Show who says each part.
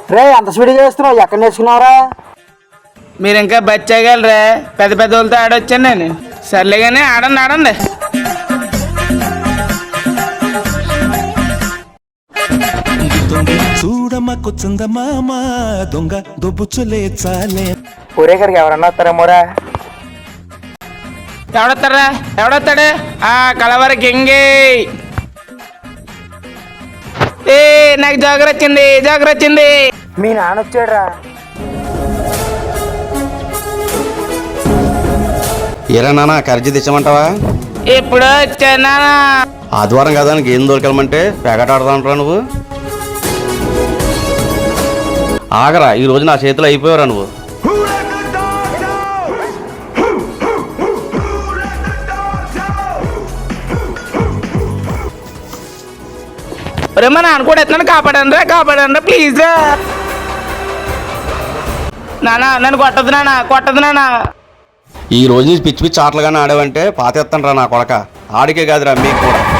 Speaker 1: రే అంత స్పీడ్గా చేస్తున్నావు, ఎక్కడ నేర్చుకున్నావురా?
Speaker 2: మీరు ఇంకా బచ్చాగలరా? పెద్ద పెద్ద వాళ్ళతో ఆడొచ్చాను నేను. సర్లే కానీ ఆడండి ఆడండి.
Speaker 3: చూడమ్మకు చందమామ దొంగ దొబ్బుచులే చాలే.
Speaker 1: ఊరే గారికి ఎవరన్నా వస్తారేమోరా?
Speaker 2: ఎవడొస్తారా? ఎవడొస్తాడు? కలవర కింగి. ఏ నాకు జోగర్ వచ్చింది, జోగర్ వచ్చింది.
Speaker 1: మీ నాన్న వచ్చాడురా.
Speaker 4: ఏరా నాన్న కర్జీ తెచ్చామంటావా?
Speaker 2: ఇప్పుడు వచ్చానా?
Speaker 4: ఆదివారం కదా గేమ్ దొరకమంటే పేకట ఆడదాంటారా నువ్వు? ఆగరా, ఈ రోజు నా చేతిలో అయిపోయారా నువ్వు?
Speaker 2: ఒరే మా నాన్న కూడా ఎత్తున్నాడు, కాపాడండి రా, కాపాడండి ప్లీజ్ రా. నాన్న నన్ను కొట్టదు నాన్న, కొట్టదు నాన్న.
Speaker 4: ఈ రోజు నుంచి పిచ్చి పిచ్చి ఆటలుగానే ఆడావంటే పాతేస్తాను రా నా కొడక. ఆడికే కాదురా మీకు కూడా.